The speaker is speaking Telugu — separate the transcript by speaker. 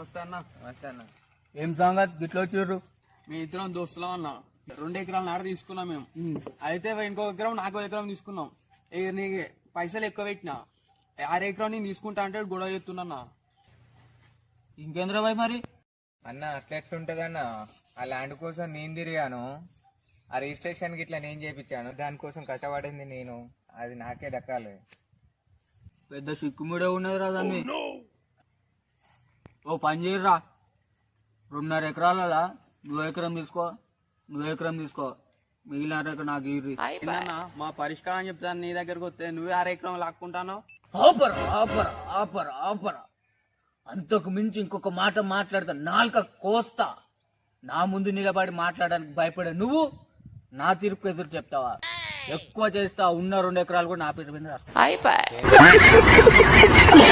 Speaker 1: నమస్తే అన్న.
Speaker 2: నమస్తే అన్న.
Speaker 3: ఏం సంగతి గిట్ల వచ్చిర్రు?
Speaker 1: మీ ఇద్దరం దోస్తులం అన్న. 2 ఎకరాల నార తీసుకున్నాం మేము. అయితే ఇంకో ఎకరం నాకు ఎకరం తీసుకున్నాం. నీకు పైసలు ఎక్కువ పెట్టినా 6 ఎకరం నేను తీసుకుంటా అంటే గొడవ చెప్తున్నా.
Speaker 3: ఇంకేంద్ర బాయ్ మరి?
Speaker 2: అన్న అట్లా ఎట్లుంటదన్న, ఆ ల్యాండ్ కోసం నేను తిరిగాను, ఆ రిజిస్ట్రేషన్ గిట్లా నేను చేయించాను, దానికోసం కష్టపడింది నేను, అది నాకే దక్కాలి.
Speaker 3: పెద్ద సిక్కుముడే ఉన్నది రా తమ్మి. ఓ పని చేయరా, 2.5 ఎకరాల నువ్వు ఎకరం తీసుకో, మిగిలిన ఎకరం నాకు ఇర్రి.
Speaker 1: ఏందన్నా మా పరిష్కారం చెప్తాను, నీ దగ్గరకు వస్తే నువ్వే 6 ఎకరం లాక్కుంటాను.
Speaker 3: ఆపరా అంతకు మించి ఇంకొక మాట మాట్లాడతా, నాలుక కోస్తా. నా ముందు నిలబడి మాట్లాడడానికి భయపడే నువ్వు నా తీర్పు ఎదురు చెప్తావా? ఎక్కువ చేస్తా, ఉన్న 2 ఎకరాలు కూడా నా పేరు మీద రాస్తా.